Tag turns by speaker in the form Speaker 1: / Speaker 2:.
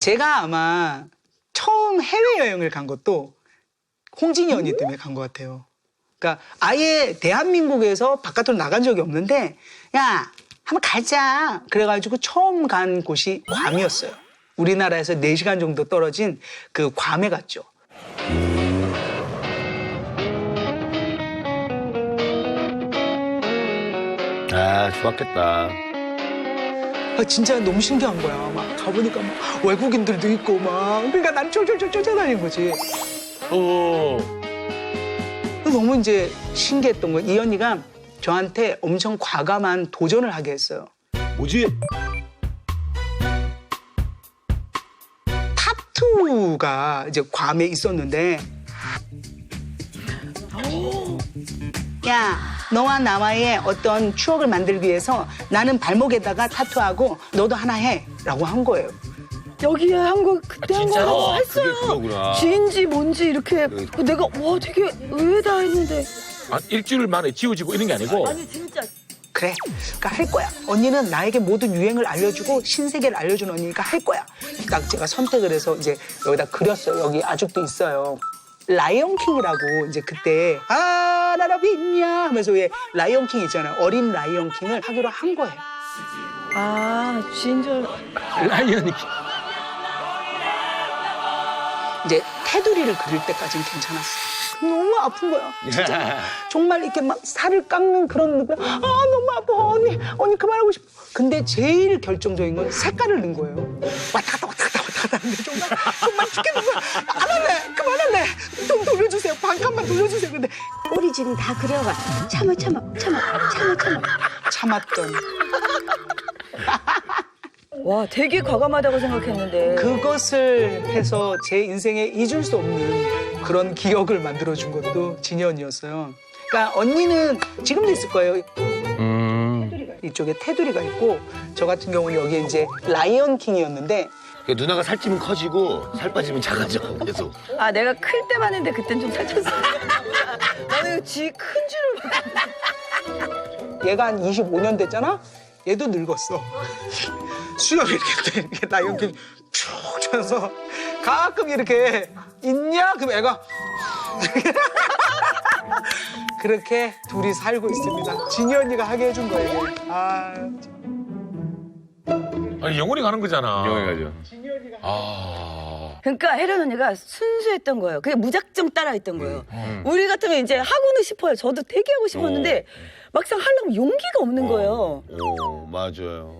Speaker 1: 제가 아마 처음 해외여행을 간 것도 홍진이 언니 때문에 간 것 같아요. 그러니까 아예 대한민국에서 바깥으로 나간 적이 없는데 야 한번 가자 그래가지고 처음 간 곳이 괌이었어요. 우리나라에서 4시간 정도 떨어진 그 괌에 갔죠.
Speaker 2: 아, 좋았겠다.
Speaker 1: 진짜 너무 신기한 거야. 막 가보니까 막 외국인들도 있고 막 그러니까 난 쫄쫄쫄 쫓아다니는 거지. 너무 이제 신기했던 거. 이 언니가 저한테 엄청 과감한 도전을 하게 했어요.
Speaker 2: 뭐지?
Speaker 1: 타투가 이제 괌에 있었는데 야 너와 나와의 어떤 추억을 만들기 위해서 나는 발목에다가 타투하고 너도 하나 해라고 한 거예요.
Speaker 3: 여기에 한 거 그때 한 거
Speaker 2: 그게
Speaker 3: 했어요.
Speaker 2: 그거구나.
Speaker 3: 지인지 뭔지 이렇게 내가 와 되게 의외다 했는데.
Speaker 4: 아, 일주일 만에 지워지고 이런 게 아니고
Speaker 3: 아니 진짜.
Speaker 1: 그래, 그러니까 할 거야. 언니는 나에게 모든 유행을 알려주고 신세계를 알려준 언니니까 할 거야. 딱 제가 선택을 해서 이제 여기다 그렸어요. 여기 아직도 있어요. 라이언킹이라고 이제 그때 라라비냐 하면서 왜 라이언킹 있잖아요. 어린 라이언킹을 하기로 한 거예요.
Speaker 3: 아 진짜.
Speaker 4: 라이언이
Speaker 1: 이제 테두리를 그릴 때까지는 괜찮았어. 너무 아픈 거야. 진짜. 정말 이렇게 막 살을 깎는 그런 느낌. 아 너무 아파 언니 그만하고 싶어. 근데 제일 결정적인 건 색깔을 넣은 거예요. 왔다 갔다 하는데 정말 죽겠는 거야. 안 할래 그만할래 좀 돌려주세요. 반칸만 돌려주세요. 근데
Speaker 5: 오리진 다 그려가. 참아.
Speaker 1: 참았던
Speaker 3: 와 되게 과감하다고 생각했는데.
Speaker 1: 그것을 해서 제 인생에 잊을 수 없는 그런 기억을 만들어준 것도 진이 언니였어요. 그러니까 언니는 지금도 있을 거예요. 이쪽에 테두리가 있고 저 같은 경우는 여기에 이제 라이언킹이었는데
Speaker 2: 그러니까 누나가 살찌면 커지고 살 빠지면 작아져. 계속.
Speaker 3: 아 내가 클 때만 했는데 그땐 좀 살쪘어. 나는 지 큰 줄을.
Speaker 1: 얘가 한 25년 됐잖아? 얘도 늙었어. 수염이 이렇게 라이언킹 쭉 쳐서 가끔 이렇게 있냐? 그럼 애가 그렇게 둘이 살고 있습니다. 진이 언니가 하게 해준 거예요. 아,
Speaker 4: 아니, 영혼이 가는 거잖아.
Speaker 2: 영원히 가죠.
Speaker 4: 아.
Speaker 3: 그러니까 혜련 언니가 순수했던 거예요. 그냥 무작정 따라했던 거예요. 우리 같으면 이제 하고는 싶어요. 저도 되게 하고 싶었는데 막상 하려면 용기가 없는 거예요.
Speaker 2: 맞아요.